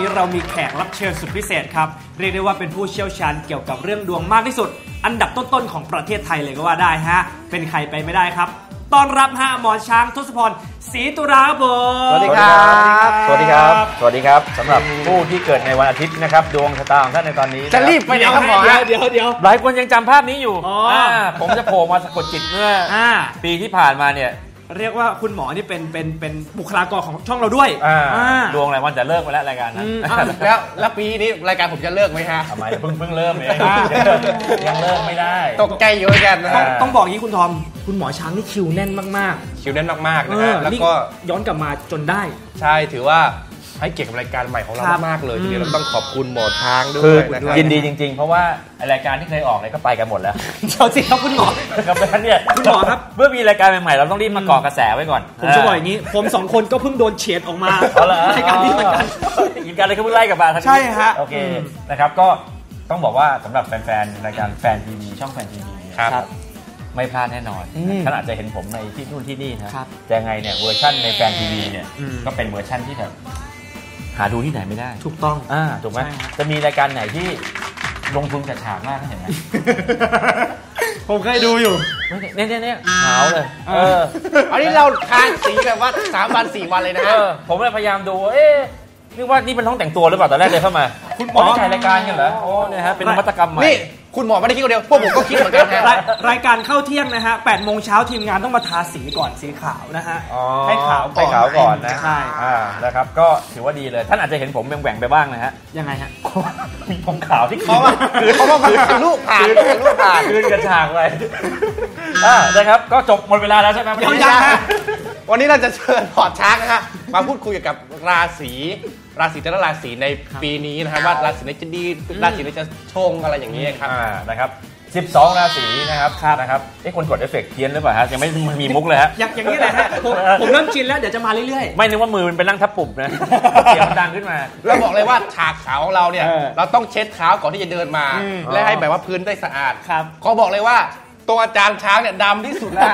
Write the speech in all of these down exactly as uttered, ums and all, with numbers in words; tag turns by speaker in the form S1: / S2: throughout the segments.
S1: เรามีแขกรับเชิญสุดพิเศษครับเรียกได้ว่าเป็นผู้เชี่ยวชาญเกี่ยวกับเรื่องดวงมากที่สุดอันดับต้นๆของประเทศไทยเลยก็ว่าได้ฮะเป็นใครไปไม่ได้ครับต้อนรับฮะหมอช้างทศพรศรีตุลาครับผม
S2: สวัสดีครับสวัสดีครับสวัสดีครับสำหรับผู้ที่เกิดในวันอาทิตย์นะครับดวงชะตาของท่านในตอนนี้
S1: จะรีบไปไหนครับหมอเดี๋ยวเดี๋ยว
S2: หลายคนยังจำภาพนี้อยู่ผมจะโผล่มาสะกดจิตเมื่อปีที่ผ่านมาเนี่ย
S1: เรียกว่าคุณหมอนี่เป็นเป็นเป็นบุคลากรของช่องเราด้วย
S2: ดวงอะไรวันจะเลิกไปแล้วรายการนั้น
S3: แล้วแล้วปีนี้รายการผมจะเลิกไหมฮะ
S2: ทำไมเพิ่งเพิ่งเริ่มเองยังเลิกไม่ได้
S3: ตกใจเยอะกันนะ
S1: ต้องบอกอย่างนี้คุณทอมคุณหมอช้างนี่คิวแน่นมาก
S3: ๆคิวแน่นมากๆนะฮะแล้วก็
S1: ย้อนกลับมาจนได้
S3: ใช่ถือว่าให้เกียรติกับรายการใหม่ของเรามากเลยทีเดียวเราต้องขอบคุณหมอช้างด้วยนะครับ
S2: ยินดีจริงๆเพราะว่ารายการที่เคยออกเนี่ยก็ไปกันหมดแล้ว
S1: เจ้าสิครับคุณหมอ
S2: ครับเพราะเนี่ย
S1: คุณหมอครับ
S2: เมื่อมีรายการใหม่ๆเราต้องรีบมาก่อกระแสไว้ก่อน
S1: ผมจะบอกอย่างนี้ผมสองคนก็เพิ่งโดนเฉียดออกมารายการนี้เหมือนกัน
S2: กินกันเลยก็เพิ่งไล่กลับมา
S1: ใช่ฮะ
S2: โอเคนะครับก็ต้องบอกว่าสำหรับแฟนๆรายการแฟนทีวีช่องแฟนทีวี
S1: ครับ
S2: ไม่พลาดแน่นอนท่านอาจจะเห็นผมในที่นู่นที่นี่นะแต่ไงเนี่ยเวอร์ชั่นในแฟนทีวีเนี่ยก็เป็นเวอร์ชั่นที่แบบหาดูที่ไหนไม่ได้
S1: ถูกต้อง
S2: อ่าถูกไหมจะมีรายการไหนที่ลงทุนจัดฉากมากเห็นไหม
S1: ผมเคยดูอยู่
S2: เนี่ยเนี่ยเนี่ยขาวเลยเออ
S3: อันนี้เราทานสีแบบว่าสามวันสี่วันเลยนะฮะ
S2: ผมเลยพยายามดูเอ๊ะนึกว่านี่เป็นห้องแต่งตัวหรือเปล่าตอนแรกเลยเข้ามา
S1: คุณหมอ
S2: ถ่ายรายการกันเหรอโอ้เนี่ยฮะเป็นนวัตกรรมใหม่
S3: นี่คุณหมอไม่ได้คิดคนเดียวพวกผมก็คิดเหมือนกันฮะ
S1: รายการเข้าเที่ยงนะฮะแปดโมงเช้าทีมงานต้องมาทาสีก่อนสีขาวนะฮะให้ขาว
S2: ให้ขาวก่อนนะ
S1: ใช่
S2: อ่านะครับก็ถือว่าดีเลยท่านอาจจะเห็นผมแหว่งๆไปบ้างนะฮะ
S1: ยังไงฮะ
S2: มีผมขาวที่
S3: เขาว่าคือเขาว่าคือลูกผ่านลูกผ่าน
S2: คืนกระฉากไปอ่านะครับก็จบหมดเวลาแล้วใช่ไหม
S3: ยังยังวันนี้เราจะเชิญพอร์ตช้างนะฮะมาพูดคุยกับราศีราศีแต่ละราศีในปีนี้นะครับว่าราศีไหนจะดีราศีไหนจะชงอะไรอย่างนี้ครับ
S2: อ่านะครับสิบสองราศีนะครับนะครับไอ้คนกดเอฟเฟกต์เพี้ยนหรือเปล่าฮะยังไม่มีมุกเลยฮะ
S1: อย่างนี้แหละฮะผมเริ่มชินแล้วเดี๋ยวจะมาเรื่อย
S2: ๆไม่นึกว่ามือมันไปนั่งทับปุ่มนะเสียงมันดังขึ้นมา
S3: เราบอกเลยว่าฉากขาวของเราเนี่ยเราต้องเช็ดเท้าก่อนที่จะเดินมาและให้แบบว่าพื้นได้สะอาดเขาบอกเลยว่าตัวอาจารย์ช้างเนี่ยดำที่สุดแล้ว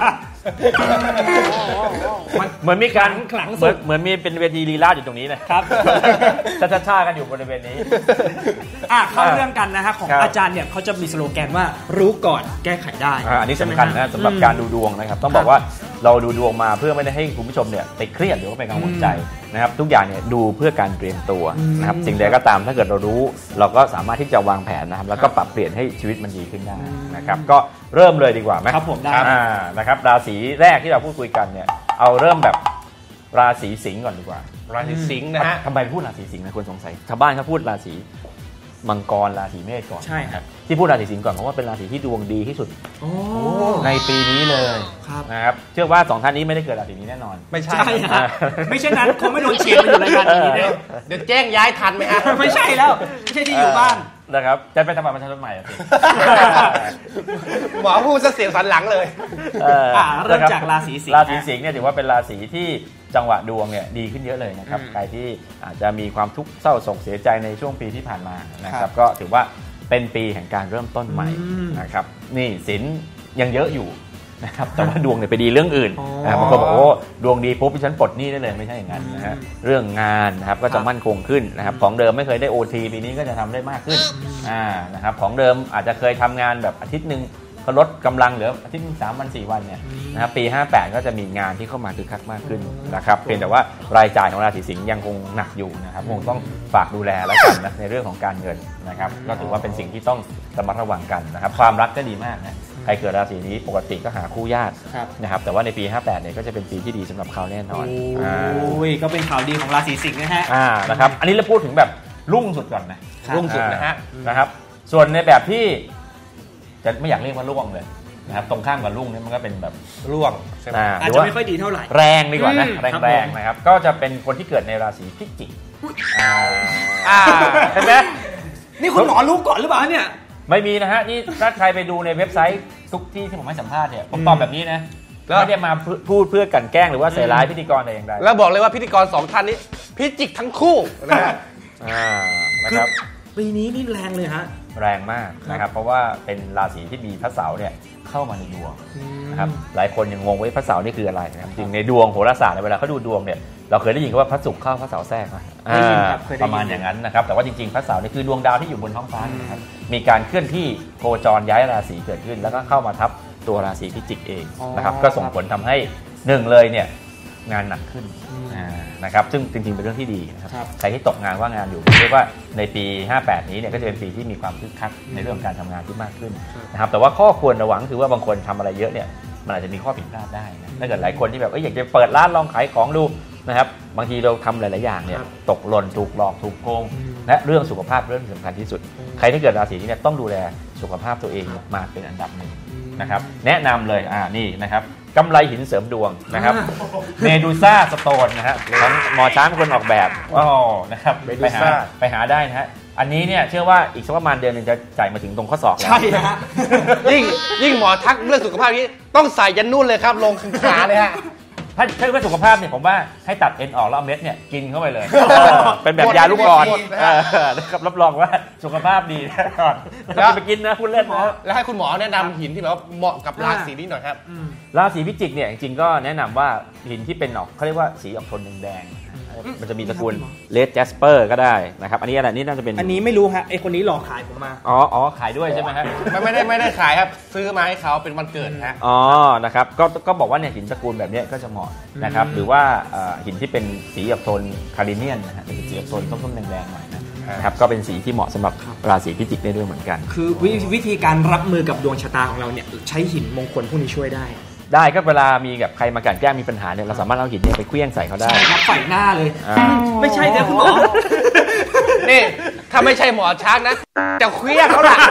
S2: เหมือนมีการขลังสุดเหมือนมีเป็นเวทีลีลาอยู่ตรงนี้นะครับช้าๆกันอยู่บริเวณนี้
S1: อ่ะเข้าเรื่องกันนะฮะของอาจารย์เนี่ยเขาจะมีสโลแกนว่ารู้ก่อนแก้ไขได้
S2: อันนี้สำคัญนะสำหรับการดูดวงนะครับต้องบอกว่าเราดูดวงมาเพื่อไม่ได้ให้คุณผู้ชมเนี่ยไปเครียดหรือว่าไปกังวลใจนะครับทุกอย่างเนี่ยดูเพื่อการเตรียมตัวนะครับสิ่งใดก็ตามถ้าเกิดเรารู้เราก็สามารถที่จะวางแผนนะครับแล้วก็ปรับเปลี่ยนให้ชีวิตมันดีขึ้นได้นะครับก็เริ่มเลยดีกว่าไหม
S1: ครับผมได้
S2: นะครับราศีแรกที่เราพูดคุยกันเนี่ยเอาเริ่มแบบราศีสิงห์ก่อนดีกว่า
S3: ราศีสิงห์นะฮะ
S2: ทำไมพูดราศีสิงห์นะคนสงสัยชาวบ้านเขาพูดราศีมังกรราศีเมษก่อน
S1: ใช่ครับ
S2: ที่พูดราศีสิงห์ก่อนเพราะว่าเป็นราศีที่ดวงดีที่สุดในปีนี้เลยนะครับเชื่อว่าสองท่านนี้ไม่ได้เกิดราศีนี้แน่นอน
S1: ไม่ใช่ไม่ใช่นั้นคงไม่โดนเชียร์มาอยู่รายการนี้เลย
S3: เดี๋ยวแจ้งย้ายทันไหมฮะ
S1: ไม่ใช่แล้วไม่ใช่ที่อยู่บ้าน
S2: นะครับจะไปทำบัตรประชาชนใหม่สิ
S3: หมอพูดซะเสียงสันหลังเลย
S1: เริ่มจากราศีสิงห์
S2: ราศีสิงห์เนี่ยถือว่าเป็นราศีที่จังหวะดวงเนี่ยดีขึ้นเยอะเลยนะครับใครที่อาจจะมีความทุกข์เศร้าโศกเสียใจในช่วงปีที่ผ่านมานะครับก็ถือว่าเป็นปีแห่งการเริ่มต้นใหม่นะครับนี่สินยังเยอะอยู่นะครับแต่ว่าดวงเนี่ยไปดีเรื่องอื่นบางคนบอกโอ้ดวงดีปุ๊บฉันปลดหนี้ได้เลยไม่ใช่อย่างนั้นนะฮะเรื่องงานนะครับก็จะมั่นคงขึ้นนะครับของเดิมไม่เคยได้ โอ ที ปีนี้ก็จะทำได้มากขึ้นอ่านะครับของเดิมอาจจะเคยทำงานแบบอาทิตย์นึงก็ลดกำลังเหลืออาทิตย์สามวันสี่วันเนี่ยนะครับปีห้าแปดก็จะมีงานที่เข้ามาคึกคักมากขึ้นนะครับเพียงแต่ว่ารายจ่ายของราศีสิงห์ยังคงหนักอยู่นะครับคงต้องฝากดูแลแล้วกันนะในเรื่องของการเงินนะครับก็ถือว่าเป็นสิ่งที่ต้องระมัดระวังกันนะครับความรักก็ดีมากนะใครเกิดราศีนี้ปกติก็หาคู่ยากนะครับแต่ว่าในปีห้าแปดเนี่ยก็จะเป็นปีที่ดีสำหรับเขาแน่นอน
S1: โอ้ยก็เป็นข่าวดีของราศีสิงห์นะฮะ
S2: อ่านะครับอันนี้เราพูดถึงแบบรุ่งสุดก่อนนะ
S3: รุ่งสุดนะฮะ
S2: นะครับส่วนในแบบที่จะไม่อยากเรียกว่าร่วงเลยนะครับตรงข้ามกับรุ่งนี่มันก็เป็นแบบ
S3: ร่วง
S1: อาจจะไม่ค่อยดีเท่าไหร่
S2: แรงดีกว่านะแรงๆนะครับก็จะเป็นคนที่เกิดในราศีพิจิกอ่าเห็นไหม
S1: นี่คุณหมอรู้ก่อนหรือเปล่าเนี่ย
S2: ไม่มีนะฮะนี่ถ้าใครไปดูในเว็บไซต์ทุกที่ที่ผมให้สัมภาษณ์เนี่ยผมตอบแบบนี้นะไม่ได้มาพูดเพื่อกันแกล้งหรือว่าใส่ร้ายพิธีกรแต่อย่างใด
S3: แล้วบอกเลยว่าพิธีกรสองท่านนี้พิจิกทั้งคู่นะฮะ
S2: อ่านะครับ
S1: ปีนี้นี่แรงเลยฮะ
S2: แรงมากนะครับเพราะว่าเป็นราศีที่มีพระเสาร์เนี่ยเข้ามาในดวงนะครับหลายคนยังงงว่าพระเสาร์นี่คืออะไรนะครับจริงในดวงโหราศาสตร์เวลาเขาดูดวงเนี่ยเราเคยได้ยินว่าพระศุกร์เข้าพระเสาร์แทรกนะประมาณอย่างนั้นนะครับแต่ว่าจริงๆพระเสาร์นี่คือดวงดาวที่อยู่บนท้องฟ้านะครับมีการเคลื่อนที่โคจรย้ายราศีเกิดขึ้นแล้วก็เข้ามาทับตัวราศีพิจิกเองนะครับก็ส่งผลทำให้หนึ่งเลยเนี่ยงานหนักขึ้นนะครับซึ่งจริงๆเป็นเรื่องที่ดีนะครับใครที่ตกงานว่างงานอยู่เรียกว่าในปีห้าแปดนี้เนี่ยก็จะเป็นปีที่มีความคึกคักในเรื่องการทำงานที่มากขึ้นนะครับแต่ว่าข้อควรระวังคือว่าบางคนทำอะไรเยอะเนี่ยมันอาจจะมีข้อผิดพลาดได้นะถ้าเกิดหลายคนที่แบบอยากจะเปิดร้านลองขายของดูนะครับบางทีเราทำหลายๆอย่างเนี่ยตกหล่นถูกหลอกถูกโกงและเรื่องสุขภาพเรื่องสำคัญที่สุดใครที่เกิดราศีนี้เนี่ยต้องดูแลสุขภาพตัวเองมาเป็นอันดับหนึ่งนะครับแนะนำเลยอ่านี่นะครับกำไรหินเสริมดวงนะครับเมดูซ่าสโตนนะฮะของหมอช้างเป็นคนออกแบบอ๋อนะครับไปหาไปหาได้นะฮะอันนี้เนี่ยเชื่อว่าอีกสักประมาณเดือนนึงจะจ่ายมาถึงตรงข้อศอกแล้ว
S1: ใช่ฮะ
S3: ยิ่งยิ่งหมอทักเรื่องสุขภาพนี้ต้องใส่ยันนู่นเลยครับลงขาเลยฮะ
S2: ถ้าถ้าเรื่องสุขภาพเนี่ยผมว่าให้ตัดเอ็นออกแล้วเอาเม็ดเนี่ยกินเข้าไปเลยเป็นแบบยาลูกกรอนนะครับรับรองว่าสุขภาพดีแน่นอนแล้วไปกินนะพูดเล่นนะ
S3: แล้วให้คุณหมอแนะนำหินที่แบบว่าเหมาะกับราศีนี้หน่อยครับ
S2: ราศีพิจิกเนี่ยจริงๆก็แนะนำว่าหินที่เป็นออกเขาเรียกว่าสีออกโทนแดงมันจะมีตระกูลเลดแจสเปอร์ก็ได้นะครับอันนี้อะไรนี่น่าจะเป็น
S1: อันนี้ไม่รู้ฮะไอคนนี้หลอกขายผมมา
S2: อ๋ออ๋อขายด้วยใช่ไหมฮะ
S3: ไม่ไม่ได้ไม่ได้ขายครับซื้อมาให้เขาเป็นวันเกิดฮะ
S2: อ๋อนะครับก็ก็บอกว่าเนี่ยหินตระกูลแบบนี้ก็จะเหมาะนะครับหรือว่าหินที่เป็นสีออกโทนคาริเนียนนะฮะเป็นสีออกโทนส้มๆแดงๆหน่อยนะครับก็เป็นสีที่เหมาะสำหรับราศีพิจิกได้ด้วยเหมือนกัน
S1: คือวิธีการรับมือกับดวงชะตาของเราเนี่ยใช้หินมงคลพวกนี้ช่วยได้
S2: ได้ก็เวลามีกับใครมากันแกล้งมีปัญหาเนี่ยเราสามารถเอาหินเนี่ยไปเคลื่องใส่เขาได้
S1: ใช่ครับใส่หน้าเลยไม่ใช่นะคุณหมอ
S3: นี่ถ้าไม่ใช่หมอช้างนะจะเคลื่องเขาล่ะ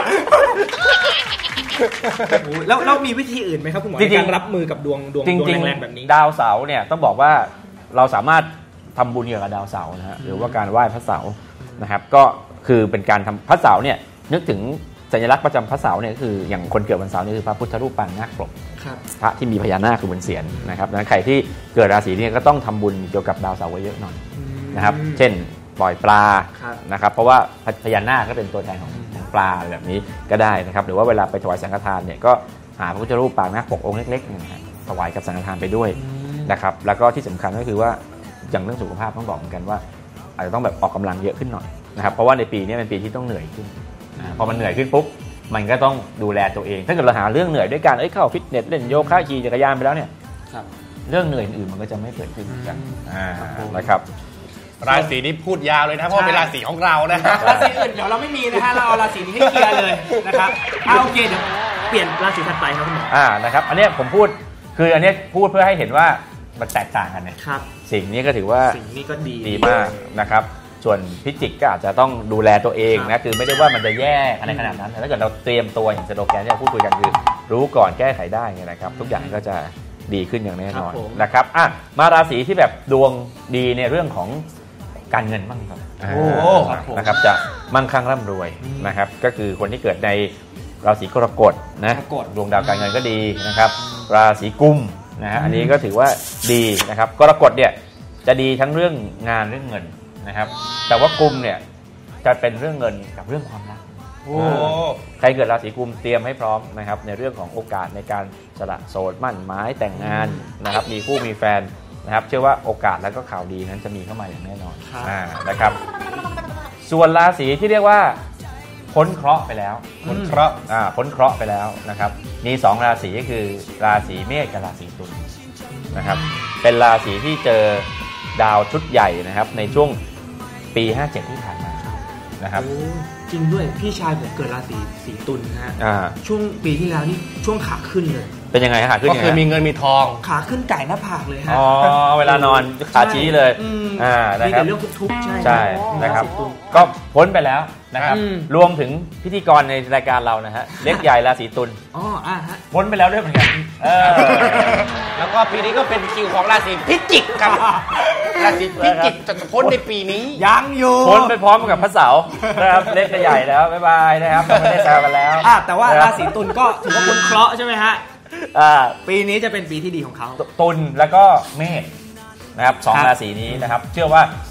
S1: แล้วแล้วมีวิธีอื่นไหมครับคุณหมอในการรับมือกับดวงดวงดวงแรงๆแบบนี้
S2: ดาวเสาร์เนี่ยต้องบอกว่าเราสามารถทำบุญเกี่ยวกับดาวเสาร์นะฮะหรือว่าการไหว้พระเสาร์นะครับก็คือเป็นการทำพระเสาร์เนี่ยนึกถึงสัญลักษณ์ประจำพระเสาร์เนี่ยคืออย่างคนเกิดวันเสาร์นี่คือพระพุทธรูปปางนาคปกพระที่มีพญานาคคือบนเศียรนะครับดังนั้นใครที่เกิดราศีนี้ก็ต้องทำบุญเกี่ยวกับดาวเสาร์ไว้เยอะหน่อยนะครับเช่นปล่อยปลานะครับเพราะว่าพญานาคก็เป็นตัวแทนของปลาแบบนี้ก็ได้นะครับหรือว่าเวลาไปถวายสังฆทานเนี่ยก็หาพระพุทธรูปปางนาคปกองค์เล็กๆนะฮะถวายกับสังฆทานไปด้วยนะครับแล้วก็ที่สำคัญก็คือว่าอย่างเรื่องสุขภาพต้องบอกเหมือนกันว่าอาจจะต้องแบบออกกำลังเยอะขึ้นหน่อยนะครับเพราะว่าในปีนี้เป็นปีที่ต้องเหนื่อยขึ้นพอมันเหนื่อยขึ้นปุ๊บมันก็ต้องดูแลตัวเองถ้าเกิดเราหาเรื่องเหนื่อยด้วยการเอ้ยเข้าฟิตเนสเล่นโยคะขี่จักรยานไปแล้วเนี่ยเรื่องเหนื่อยอื่นมันก็จะไม่เกิดขึ้นกันนะครับ
S3: ราศีนี้พูดยาวเลยนะเพราะเป็นราศีของเรานะ
S1: ราศีอื่นเดี๋ยวเราไม่มีนะฮะเราเอาราศีนี้ให้เคลียร์เลยนะครับเอาโอเคเดี๋ยวเปลี่ยนราศีถัดไปครับคุณหมอ
S2: อ่านะครับอันนี้ผมพูดคืออันนี้พูดเพื่อให้เห็นว่ามันแตกต่างกันเนี่ยสิ่งนี้ก็ถือว่า
S1: สิ่งนี้ก็ดี
S2: ดีมากนะครับส่วนพิจิกก็อาจจะต้องดูแลตัวเองนะคือไม่ได้ว่ามันจะแย่อะไรขนาดนั้นแต่ถ้าเกิดเราเตรียมตัวอย่างสโลแกนที่เราพูดคุยกันคือรู้ก่อนแก้ไขได้นะครับทุกอย่างก็จะดีขึ้นอย่างแน่นอนนะครับอ่ะมาราศีที่แบบดวงดีในเรื่องของการเงินบ้างครับโอ้นะครับจะมั่งคั่งร่ำรวยนะครับก็คือคนที่เกิดในราศีกรกฎนะดวงดาวการเงินก็ดีนะครับราศีกุมนะฮะอันนี้ก็ถือว่าดีนะครับกรกฎเนี่ยจะดีทั้งเรื่องงานเรื่องเงินนะครับแต่ว่ากุมเนี่ยจะเป็นเรื่องเงินกับเรื่องความรักใครเกิดราศีกุมเตรียมให้พร้อมนะครับในเรื่องของโอกาสในการสละโสดมั่นหมายแต่งงานนะครับมีคู่มีแฟนนะครับเชื่อว่าโอกาสและก็ข่าวดีนั้นจะมีเข้ามาอย่างแน่นอนนะครับส่วนราศีที่เรียกว่าพ้นเคราะห์ไปแล้ว
S3: พ้นเคราะห์
S2: อ่าพ้นเคราะห์ไปแล้วนะครับมีสองราศีก็คือราศีเมษกับราศีตุลนะครับเป็นราศีที่เจอดาวชุดใหญ่นะครับในช่วงปีห้าเจ็ดที่ผ่านมานะครับ
S1: จริงด้วยพี่ชายผมเกิดราศีสีตุลนะฮะช่วงปีที่แล้วนี่ช่วงขาขึ้นเลย
S2: เป็นยังไงขาขึ้น
S3: ก็คือมีเงินมีทอง
S1: ขาขึ้นไก่หน้าผากเลยฮะ
S2: อ๋อเวลานอนขาชี้เลย
S1: อ่ามีแต่เรื่องทุกข์ใช่
S2: ใช่นะครับก็พ้นไปแล้วนะครับรวมถึงพิธีกรในรายการเรานะฮะเล็กใหญ่ราศีตุล
S1: อ๋ออ่าฮะ
S2: พ้นไปแล้วด้วยเหมือนกันเออ
S3: แล้วก็ปีนี้ก็เป็นคิวของราศีพิจิกครับราศีพิจิกจะพ้นในปีนี้
S1: ยังอยู่
S2: พ้นไปพร้อมกับพระเสาร์นะครับเล็กใหญ่แล้วบ๊ายบายนะครับไม่ได้แซวกันแล้ว
S1: อ่ะแต่ว่าราศีตุลก็ถือว่าพ้นเคราะห์ใช่ไหมฮะปีนี้จะเป็นปีที่ดีของเขา
S2: ตุลแล้วก็เมษนะครับสองราศีนี้นะครับเชื่อว่า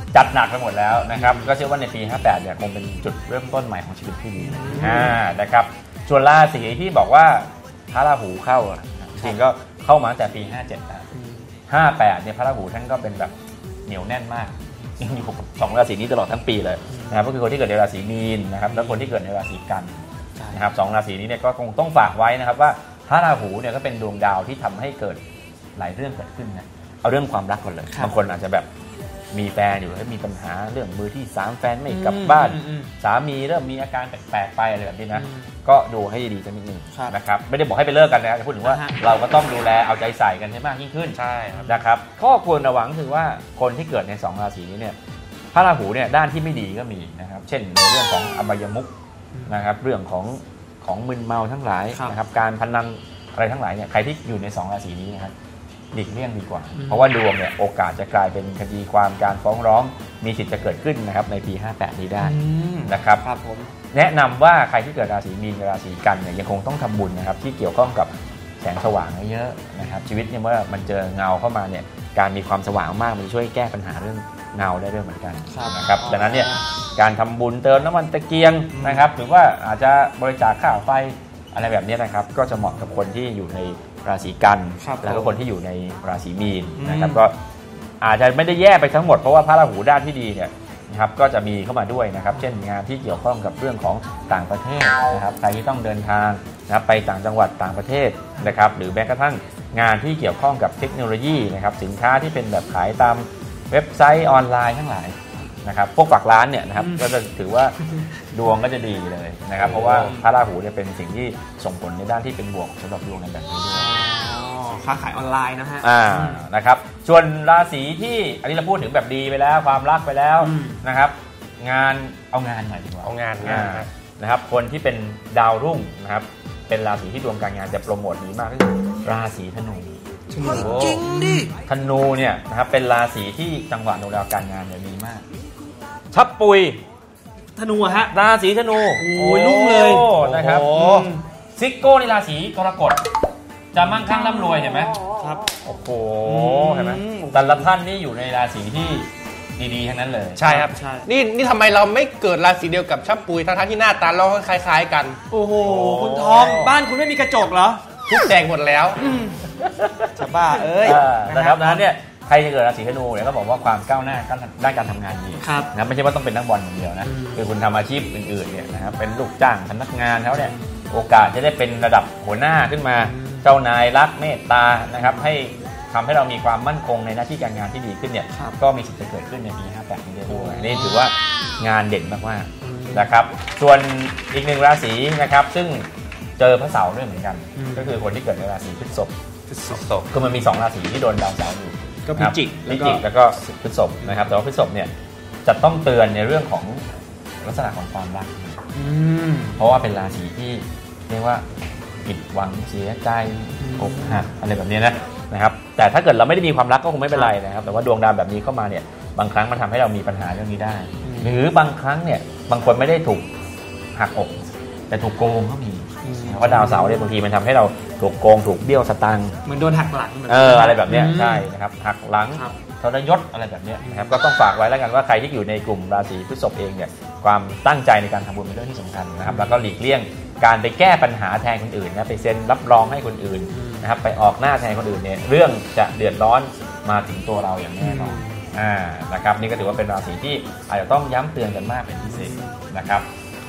S2: จัดหนักไปหมดแล้วนะครับก็เชื่อว่าในปีห้าแปดเนี่ยคงเป็นจุดเริ่มต้นใหม่ของชีวิตที่ดีอ่านะครับส่วนราศีที่บอกว่าพระราหูเข้าจริงก็เข้ามาตั้งแต่ปีห้าเจ็ดแล้วห้าแปดเนี่ยพระราหูท่านก็เป็นแบบเหนียวแน่นมากยังอยู่กับสองราศีนี้ตลอดทั้งปีเลยนะครับก็คือคนที่เกิดในราศีมีนนะครับและคนที่เกิดในราศีกันนะครับสองราศีนี้เนี่ยก็คงต้องฝากไว้นะครับว่าพระราหูเนี่ยก็เป็นดวงดาวที่ทำให้เกิดหลายเรื่องเกิดขึ้นนะเอาเรื่องความรักก่อนเลยบางคนอาจจะแบบมีแฟนอยู่แล้วมีปัญหาเรื่องมือที่สามแฟนไม่กลับบ้านสามีเริ่มมีอาการแปลกๆไปอะไรแบบนี้นะก็ดูให้ดีสักนิดนึงนะครับไม่ได้บอกให้ไปเลิกกันนะจะพูดถึงว่าเราก็ต้องดูแลเอาใจใส่กันให้มากยิ่งขึ้นใช่นะครับข้อควรระวังคือว่าคนที่เกิดในสองราศีนี้เนี่ยพระราหูเนี่ยด้านที่ไม่ดีก็มีนะครับเช่นในเรื่องของอบายมุขนะครับเรื่องของของมึนเมาทั้งหลายนะครับการพนันอะไรทั้งหลายเนี่ยใครที่อยู่ในสองราศีนี้นะครับหลีกเลี่ยงดีกว่าเพราะว่าดวงเนี่ยโอกาสจะกลายเป็นคดีความการฟ้องร้องมีสิทธิ์จะเกิดขึ้นนะครับในปีห้าแปดนี้ได้นะครับ
S1: ครับผม
S2: แนะนำว่าใครที่เกิดราศีมีนกับราศีกันเนี่ยยังคงต้องทำบุญนะครับที่เกี่ยวข้องกับแสงสว่างเยอะนะครับชีวิตเนี่ยเมื่อมันเจอเงาเข้ามาเนี่ยการมีความสว่างมากมันช่วยแก้ปัญหาเรื่องเงาได้ด้วยเหมือนกันนะครับดังนั้นเนี่ยการทำบุญเติมน้ำมันตะเกียงนะครับหรือว่าอาจจะบริจาคค่าไฟอะไรแบบนี้นะครับก็จะเหมาะกับคนที่อยู่ในราศีกันแล้วก็คนที่อยู่ในราศีมีนนะครับก็อาจจะไม่ได้แย่ไปทั้งหมดเพราะว่าพระราหูด้านที่ดีเนี่ยนะครับก็จะมีเข้ามาด้วยนะครับเช่นงานที่เกี่ยวข้องกับเรื่องของต่างประเทศนะครับใครที่ต้องเดินทางนะครับไปต่างจังหวัดต่างประเทศนะครับหรือแม้กระทั่งงานที่เกี่ยวข้องกับเทคโนโลยีนะครับสินค้าที่เป็นแบบขายตามเว็บไซต์ออนไลน์ทั้งหลายนะครับพวกฝากร้านเนี่ยนะครับก็จะถือว่าดวงก็จะดีเลยนะครับเพราะว่าพระราหูเนี่ยเป็นสิ่งที่ส่งผลในด้านที่เป็นบวกสำหรับดวงในแบบนี้ด้วย
S1: ค้าขายออนไลน์นะฮะ
S2: อ่านะครับส่วนราศีที่อันนี้เราพูดถึงแบบดีไปแล้วความรักไปแล้วนะครับงานเอางานหน่อยดีกว่า
S3: เอางานงาน
S2: นะครับคนที่เป็นดาวรุ่งนะครับเป็นราศีที่ดวงการงานจะโปรโมทดีมากก็คือราศีธนู
S3: จริงดิ
S2: ธนูเนี่ยนะครับเป็นราศีที่จังหวะดวงดาวการงานเนี่ยดีมากชับปุย
S1: ธนูฮะ
S2: ราศีธนู
S1: โอ้ยลุ่งเลย
S2: นะครับซิกโก้ในราศีกรกฎจะมั่งคั่งร่ำรวยเห็นไหม
S1: ครับ
S2: โอ้โหเห็นไหมแต่ละท่านนี่อยู่ในราศีที่ดีๆทั้งนั้นเลย
S3: ใช่ครับนี่นี่ทำไมเราไม่เกิดราศีเดียวกับชับปุยทั้งๆที่หน้าตาเราคล้ายๆกัน
S1: โอ้โหคุณทองบ้านคุณไม่มีกระจกเหรอ
S3: ทุกแดงหมดแล้ว
S1: จะบ้าเอ้ย
S2: นะครับนั้นเนี่ยใครจะเกิดราศีธนูเนี่ยก็บอกว่าความก้าวหน้าด้านการทำงานดีนะไม่ใช่ว่าต้องเป็นนักบอลอย่างเดียวนะคือคุณทำอาชีพอื่นๆเนี่ยนะครับเป็นลูกจ้างพนักงานเขาเนี่ยโอกาสจะได้เป็นระดับหัวหน้าขึ้นมาเจ้านายรักเมตตานะครับให้ทำให้เรามีความมั่นคงในหน้าที่การงานที่ดีขึ้นเนี่ยก็มีสิทธิ์จะเกิดขึ้นในปีห้าแปดนี้ด้วยนี่ถือว่างานเด่นมากๆนะครับส่วนอีกหนึ่งราศีนะครับซึ่งเจอพระเสาร์ด้วยเหมือนกันก็คือคนที่เกิดในราศีพฤษภ
S3: พฤษภ
S2: คือมันมีสองราศีที่โดนดาวเสาร์อยู่
S1: ก็พิจิก
S2: พิจิกแล้วก็พฤษภนะครับแต่ว่าพฤษภเนี่ยจะต้องเตือนในเรื่องของลักษณะของความรักเพราะว่าเป็นราศีที่เรียกว่าผิดหวังเสียใจอกหักอะไรแบบนี้นะนะครับแต่ถ้าเกิดเราไม่ได้มีความรักก็คงไม่เป็นไรนะครับแต่ว่าดวงดาวแบบนี้เข้ามาเนี่ยบางครั้งมันทำให้เรามีปัญหาเรื่องนี้ได้หรือบางครั้งเนี่ยบางคนไม่ได้ถูกหักอกแต่ถูกโกงก็มีเพราะดาวเสาร์เนี่ยบางทีมันทำให้เราถูกโกงถูกเบี้ยวสตางค์
S1: เหมือนโดนหักหลัง
S2: เอออะไรแบบนี้ใช่นะครับหักหลังทรยศอะไรแบบนี้นะครับก็ต้องฝากไว้แล้วกันว่าใครที่อยู่ในกลุ่มราศีพฤษภเองเนี่ยความตั้งใจในการทำบุญเป็นเรื่องที่สำคัญนะครับแล้วก็หลีกเลี่ยงการไปแก้ปัญหาแทนคนอื่นนะไปเซ็นรับรองให้คนอื่นนะครับไปออกหน้าแทนคนอื่นเนี่ยเรื่องจะเดือดร้อนมาถึงตัวเราอย่างแน่นอนอ่านะครับนี่ก็ถือว่าเป็นราศีที่อาจจะต้องย้ำเตือนกันมากเป็นพิเศษนะครับ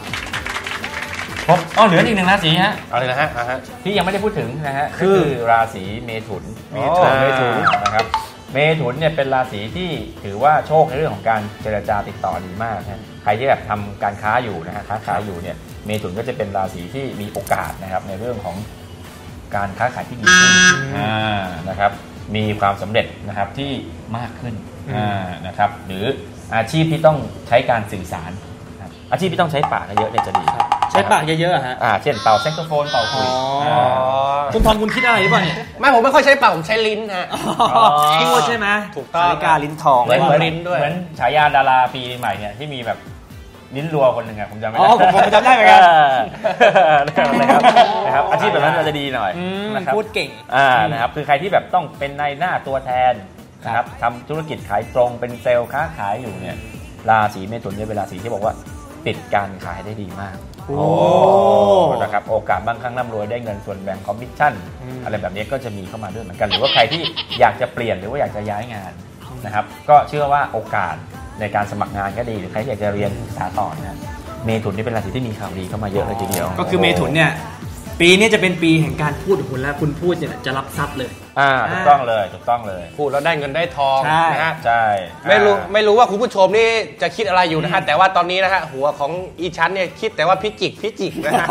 S2: ผมอ๋อเหลืออีกหนึ่งราศีฮะ
S3: อะไรนะฮะ
S2: ที่ยังไม่ได้พูดถึงนะฮะคือราศีเมถุน
S1: เมถุนเมถุน
S2: นะครับเมถุนเนี่ยเป็นราศีที่ถือว่าโชคในเรื่องของการเจรจาติดต่อดีมากนะใครที่แบบทำการค้าอยู่นะฮะค้าขายอยู่เนี่ยเมถุนก็จะเป็นราศีที่มีโอกาสนะครับในเรื่องของการค้าขายที่ดีขึ้นนะครับมีความสำเร็จนะครับที่มากขึ้นนะครับหรืออาชีพที่ต้องใช้การสื่อสารอาชีพที่ต้องใช้ปากเยอะเนี่ยจะดี
S1: ใช้ปากเยอะๆฮะ
S2: อ่าเช่นเป่าแซกโซโฟนเป่าคุย
S1: คุณทองคุณคิดอะไรหรือเปล่าเนี่ย
S3: ไม่ผมไม่ค่อยใช้ปากผมใช้ลิ้นฮะ
S1: พูดใช่ไหม
S3: ถูกต้อง
S1: นาฬิกาลิ้นทอง
S2: เหมือนลิ้นด้วยเหมือนฉายาดาราปีใหม่เนี่ยที่มีแบบลิ้นรัวคนหนึ่งอะผมจำไม่ได้
S1: อ๋อผมจำได้เหมือนกัน
S2: นะครับนะครับอาชีพแบบนั้นจะดีหน่อย
S1: นะครับพูดเก่ง
S2: อ่านะครับคือใครที่แบบต้องเป็นนายหน้าตัวแทนนะครับทำธุรกิจขายตรงเป็นเซลล์ค้าขายอยู่เนี่ยราศีเมถุนเนี่ยเป็นราศีที่บอกว่าปิดการขายได้ดีมากโอ้นะครับโอกาสบางครั้งร่ำรวยได้เงินส่วนแบ่งคอมมิชชั่นอะไรแบบนี้ก็จะมีเข้ามาด้วยเหมือนกันหรือว่าใครที่อยากจะเปลี่ยนหรือว่าอยากจะย้ายงานนะครับก็เชื่อว่าโอกาสในการสมัครงานก็ดีหรือใครที่อยากจะเรียนศึกษาต่อนะเมถุนนี่เป็นราศีที่มีข่าวดีเข้ามาเยอะเลยทีเดียว
S1: ก็คือเมถุนเนี่ยปีนี้จะเป็นปีแห่งการพูดของคุณแล้วคุณพูดเนี่ยจะรับทรัพย์เลย
S2: อ่าถูกต้องเลยถูกต้องเลย
S3: พูดแล้วได้เงินได้ทองนะฮะ
S2: ใช่
S3: ไม่รู้ไม่รู้ว่าคุณผู้ชมนี่จะคิดอะไรอยู่นะฮะแต่ว่าตอนนี้นะฮะหัวของอีชั้นเนี่ยคิดแต่ว่าพิจิกพิจิกนะฮะ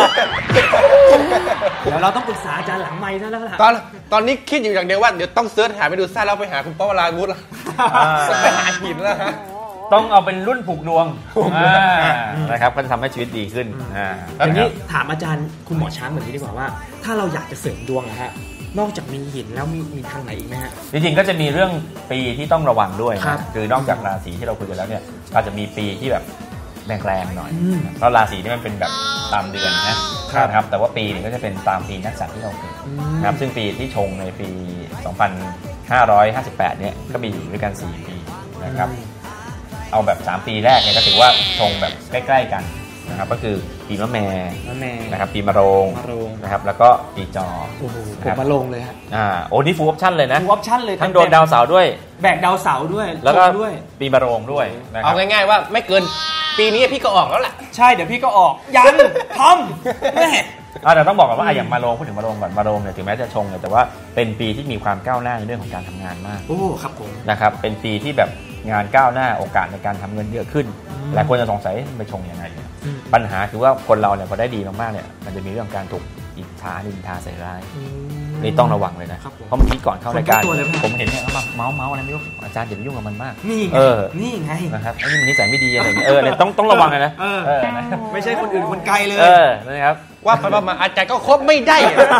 S1: เดี๋ยวเราต้องปรึกษาอาจารย์หลังไมค์ซะแล้วล่ะ
S3: ตอนตอนนี้คิดอยู่อย่างเดียวว่าเดี๋ยวต้องเสิร์ชหาไปดูซ่าแล้วไปหาคุณป้าวราวุฒิแล้วไปหาหินแล้วฮะ
S2: ต้องเอาเป็นรุ่นผูกดวงนะครับก็จะทำให้ชีวิตดีขึ้น
S1: ทีนี้ถามอาจารย์คุณหมอช้างเหมือนนี้ดีกว่าว่าถ้าเราอยากจะเสริมดวงนะฮะนอกจากมีหินแล้วมีมีทางไหนอีกไหมฮะ
S2: จริงๆก็จะมีเรื่องปีที่ต้องระวังด้วยนะคือนอกจากราศีที่เราคุยกันแล้วเนี่ยอาจจะมีปีที่แบบแรงๆหน่อยเพราะราศีนี่มันเป็นแบบตามเดือนนะครับแต่ว่าปีนี่ก็จะเป็นตามปีนักษัตริย์ที่เราเกิดนะครับซึ่งปีที่ชงในปีสองพันห้าร้อยห้าสิบแปดเนี่ยก็มีอยู่ด้วยกันสี่ปีนะครับเอาแบบสามปีแรกเนี่ยก็ถือว่าชงแบบใกล้ๆกันนะครับก็คือปีมะแม่นะครับปีมะโรงนะครับแล้วก็ปีจอ
S1: โอ้โหผมมะโรงเลยฮะ
S2: อ่าโอ้นี่ฟูลออปชั่นเลยนะ
S1: ฟูลออปชั่นเลย
S2: ทั้งโดนดาวเสาร์ด้วย
S1: แบกดาวเสาร์ด้วย
S2: แล้วก็ปีมะโรงด้วย
S3: เอาง่ายๆว่าไม่เกินปีนี้พี่ก็ออกแล้วแหละ
S1: ใช่เดี๋ยวพี่ก็ออกยังทำไม่
S2: อ่าแต่ต้องบอกก่อนว่าอย่างมะโรงพูดถึงมะโรงก่อนมะโรงเนี่ยถึงแม้จะชงเนี่ยแต่ว่าเป็นปีที่มีความก้าวหน้าในเรื่องของการทำงานมาก
S1: โอ้ครับผม
S2: นะครับเป็นปีที่แบบงานก้าวหน้าโอกาสในการทำเงินเยอะขึ้นหลายคนจะสงสัยไปชงยังไงปัญหาคือว่าคนเราเนี่ยพอได้ดีมากๆเนี่ยมันจะมีเรื่องการถูกอิจฉานินทาใส่ร้ายนี่ต้องระวังเลยนะเพราะเมื่อกี้ก่อนเข้ารายการผมเห็นเนี่ยเขามาเมาส์เมาส์อะไรไม่รู้อาจารย์อย่าไปยุ่งกับมันมาก
S1: นี่
S2: เออ
S1: นี่ไง
S2: นะครับไอ้นี่มันนิสัยไม่ดีอะไรอย่างเงี้ยเออเนี่ยต้องต้องระวังเลยนะ
S1: เออไม่ใช่คนอื่นคนไกลเลย
S2: เออนะครับ
S3: ว่าไปว่ามาอาจารย์ก็คบไม่ได้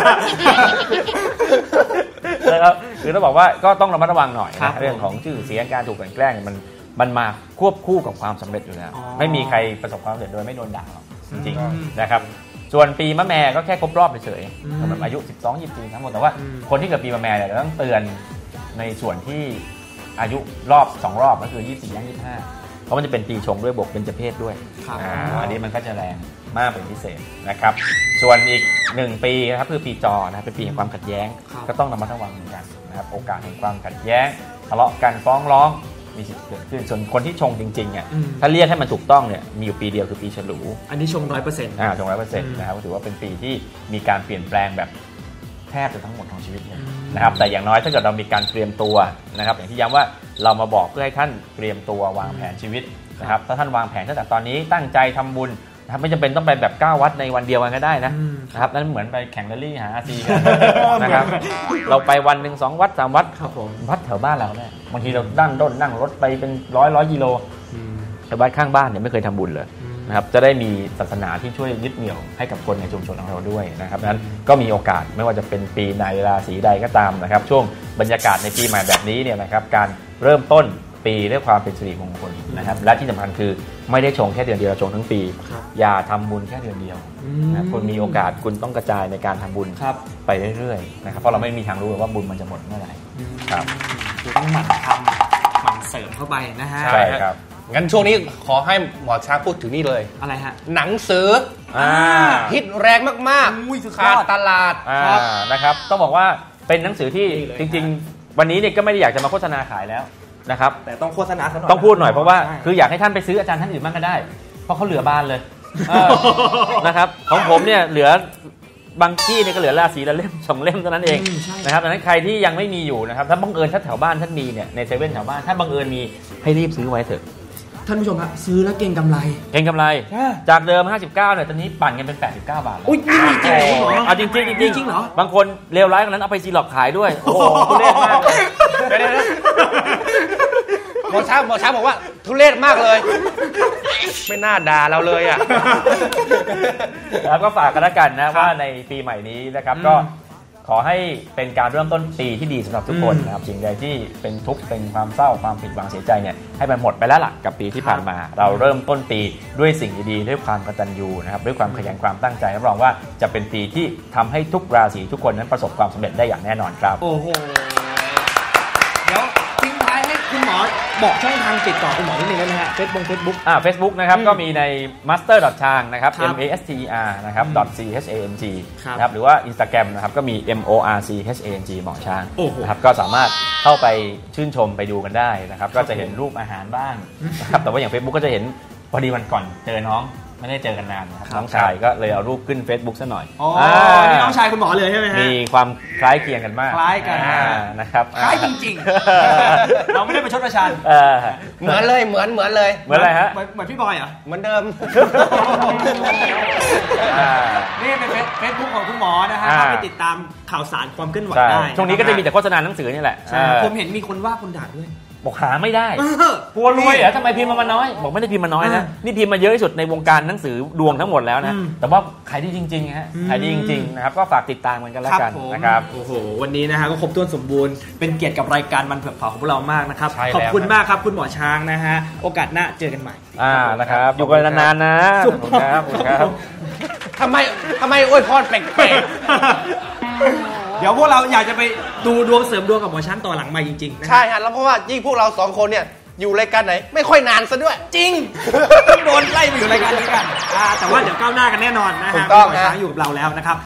S2: นะครับคือต้องบอกว่าก็ต้องระมัดระวังหน่อยนะเรื่องของชื่อเสียงการถูกกลั่นแกล้งมันมันมาควบคู่กับความสำเร็จอยู่แล้วไม่มีใครประสบความสำเร็จโดยไม่โดนด่าหรอกจริงๆนะครับส่วนปีมะแม่ก็แค่ครบรอบเฉยๆสำหรับอายุสิบสอง ยี่สิบสี่ทั้งหมดแต่ว่าคนที่เกิดปีมะแม่เนี่ยเราต้องเตือนในส่วนที่อายุรอบสองรอบก็คือยี่สิบสี่ย่างยี่สิบห้าเพราะมันจะเป็นปีชงด้วยบวกเบญจเพศด้วยอันนี้มันก็จะแรงมากเป็นพิเศษนะครับส่วนอีกหนึ่งปีนะครับคือปีจอนะเป็นปีแห่งความขัดแย้งก็ต้องระมัดระวังเหมือนกันนะครับโอกาสแห่งความขัดแย้งทะเลาะกันฟ้องร้องมีสิทธิ์เกิดขึ้นส่วนคนที่ชงจริงๆเนี่ยถ้าเรียกให้มันถูกต้องเนี่ยมีอยู่ปีเดียวคือปีฉลู
S1: อันนี้ชงร้อยเปอร์เซ็นต์
S2: อ่าชงร้อยเปอร์เซ็นต์นะครับก็ถือว่าเป็นปีที่มีการเปลี่ยนแปลงแบบแทบจะทั้งหมดของชีวิตนะครับแต่อย่างน้อยถ้าเกิดเรามีการเตรียมตัวนะครับอย่างที่ย้ำว่าเรามาบอกเพื่อให้ท่านเตรียมตัววางแผนชีวิตนะครับถ้าท่านวางแผนตั้งแต่ตอนนี้ตั้งใจทำบุญนะครับไม่จำเป็นต้องไปแบบเก้าวัดในวันเดียวกันก็ได้นะนะครับนั่นเหมือนไปแข่งแรลลี่หาอาซีกันนะครับเราไปวันหนึ่งสองวัดสามวัดวัดแถวบ้านเราเนี่ยบางทีเรานั่งด้นนั่งรถไปเป็นร้อยร้อยกิโลแต่วัดข้างบ้านเนี่ยไม่เคยทำบุญเลยนะครับจะได้มีศาสนาที่ช่วยยึดเหนี่ยวให้กับคนในชุมชนของเราด้วยนะครับนั้นก็มีโอกาสไม่ว่าจะเป็นปีในราศีใดก็ตามนะครับช่วงบรรยากาศในปีใหม่แบบนี้เนี่ยนะครับการเริ่มต้นปีด้วยความเป็นสิริมงคลนะครับและที่สำคัญคือไม่ได้ชงแค่เดือนเดียวชงทั้งปีอย่าทำบุญแค่เดือนเดียวนะคุณมีโอกาสคุณต้องกระจายในการทำบุญไปเรื่อยๆนะครับเพราะเราไม่มีทางรู้ว่าบุญมันจะหมดเมื่อไหร่ครับ
S1: คือต้องหมั่นทำหมั่นเสริมเข้าไปนะฮะ
S2: ใช่ครับ
S3: งั้นช่วงนี้ขอให้หมอช้างพูดถึงนี่เลย
S1: อะไรฮะ
S3: หนังสือฮิตแรงมากๆขาดตลาด
S2: นะครับต้องบอกว่าเป็นหนังสือที่จริงๆวันนี้เนี่ยก็ไม่ได้อยากจะมาโฆษณาขายแล้วนะครับ
S1: แต่ต้องโฆษณาซะหน่อย
S2: ต้องพูดหน่อยเพราะว่าคืออยากให้ท่านไปซื้ออาจารย์ท่านอื่นบ้างก็ได้เพราะเขาเหลือบานเลยนะครับของผมเนี่ยเหลือบางที่เนี่ยก็เหลือราศีละเล่มสองเล่มเท่านั้นเองนะครับดังนั้นใครที่ยังไม่มีอยู่นะครับถ้าบังเอิญถ้าแถวบ้านท่านมีเนี่ยในเซเว่นแถวบ้านถ้าบังเอิญมีให้รีบซื้อไว้เถอะ
S1: ท่านผู้ชมครับซื้อแล้วเก็งกำไร
S2: เก็งกำไรจากเดิมห้าสิบเก้าเนี่ยตอนนี้ปั่นกันเป็นแปดสิบเก้าบาทแล้ว
S1: อุ้ยจริงจริงเหรอ
S2: เอาจริงจริงจริงจริงเหรอบางคนเลวร้ายกว่านั้นเอาไปซีล็อกขายด้วยโอ้โหทุเรศมากเลย
S3: หมอช้างหมอช้างบอกว่าทุเรศมากเลยไม่น่าด่าเราเลยอ่ะ
S2: แล้วก็ฝากกันแล้วกันนะว่าในปีใหม่นี้นะครับก็ขอให้เป็นการเริ่มต้นปีที่ดีสำหรับทุกคนนะครับสิ่งใดที่เป็นทุกข์เป็นความเศร้าความผิดหวังเสียใจเนี่ยให้มันหมดไปแล้วล่ะกับปีที่ผ่านมาเราเริ่มต้นปีด้วยสิ่งดีๆด้วยความกตัญญูนะครับด้วยความขยันความตั้งใจรับรองว่าจะเป็นปีที่ทำให้ทุกราศีทุกคนนั้นประสบความสำเร็จได้อย่างแน่นอนครับ
S1: โอ้โหเดี๋ยวคุณหมอบอกช่องทางติดต่อคุณหมอนิดนึงได้ไหมฮะเฟซบุ๊กเฟซบุ๊ก
S2: อ่า Facebook นะครับก็มีใน master ชางนะครับ
S1: ครับ
S2: m a s t e r นะครับ c h a n g
S1: ครับ
S2: นะครับหรือว่า Instagram นะครับก็มี m o r c h a n g หมอช้าง
S1: โอ้โห
S2: นะครับก็สามารถเข้าไปชื่นชมไปดูกันได้นะครับก็จะเห็นรูปอาหารบ้างนะครับแต่ว่าอย่าง Facebook ก็จะเห็นพอดีวันก่อนเจอน้องไม่ได้เจอกันนานนะครับน้องชายก็เลยเอารูปขึ้น Facebook ซะหน่อย
S1: อ๋อนี่น้องชายคุณหมอเลยใช่ไหมฮะ
S2: มีความคล้ายเคียงกันมาก
S1: คล้ายกัน
S2: อ่นะครับ
S1: คล้ายจริงๆ เราไม่ได้ประชดประชัน
S2: เออ
S3: เหมือนเลยเหมือนเหมือนเลย
S2: เหมือนอะไรฮะ
S1: เหมือนเหมือนพี่บอยเหรอ
S3: เหมือนเดิม
S2: อ่า
S1: นี่เป็นเฟซบุ๊กของคุณหมอนะฮะ
S2: อ่า
S1: เข้าไปติดตามข่าวสารความเคลื่อนไหว
S2: ใช่
S1: ได้
S2: ช่วงนี้ก็จะมีแต่โฆษณาหนังสือนี่แหละ
S1: ใช่
S2: เออ
S1: ผมเห็นมีคนว่าคนด่าด้วย
S2: บอกหาไม่ได้
S1: เออก
S2: ลัวรวยเหรอทำไมพิมพ์มาน้อย บอกไม่ได้พิมพ์มาน้อยนะ
S1: อ่า
S2: นี่พิมพ์มาเยอะที่สุดในวงการหนังสือดวงทั้งหมดแล้วนะ
S1: อืม
S2: แต่ว่าขายดีจริงๆฮะ
S1: อืม
S2: ขายดีจริงๆนะครับก็ฝากติดตามกันกันแล้วกัน
S1: ผม
S2: นะครับ
S1: โอ้โหวันนี้นะฮะก็ครบถ้วนสมบูรณ์เป็นเกียรติกับรายการมันเผือกเผาของพวกเรามากนะครับ
S3: ใช่แล้ว
S1: ขอบคุณมากครับคุณหมอช้างนะฮะโอกาสหน้าเจอกันใหม่
S2: อ่านะครับอยู่กันนานๆนะขอบคุณครับขอบคุณครับ
S3: ทำไมทำไมอวยพรแปลก
S1: เดี๋ยวพวกเราอยากจะไปดูดวงเสริมดวงกับหมอช้างต่อหลังใหม่จริงๆนะ
S3: ๆใช่ฮะแล้วเพราะว่ายิ่งพวกเราสองคนเนี่ยอยู่รายการไหนไม่ค่อยนานซะด้วย
S1: จริง โดนไล่ไปอยู่รายการนี้กันอ่าแต่ว่าเดี๋ยวก้าวหน้ากันแน่นอนนะ
S3: ถู
S1: ฮะ
S3: กต้อง
S1: หมอ
S3: ฮะ
S1: ช้างอยู่กับเราแล้วนะครับ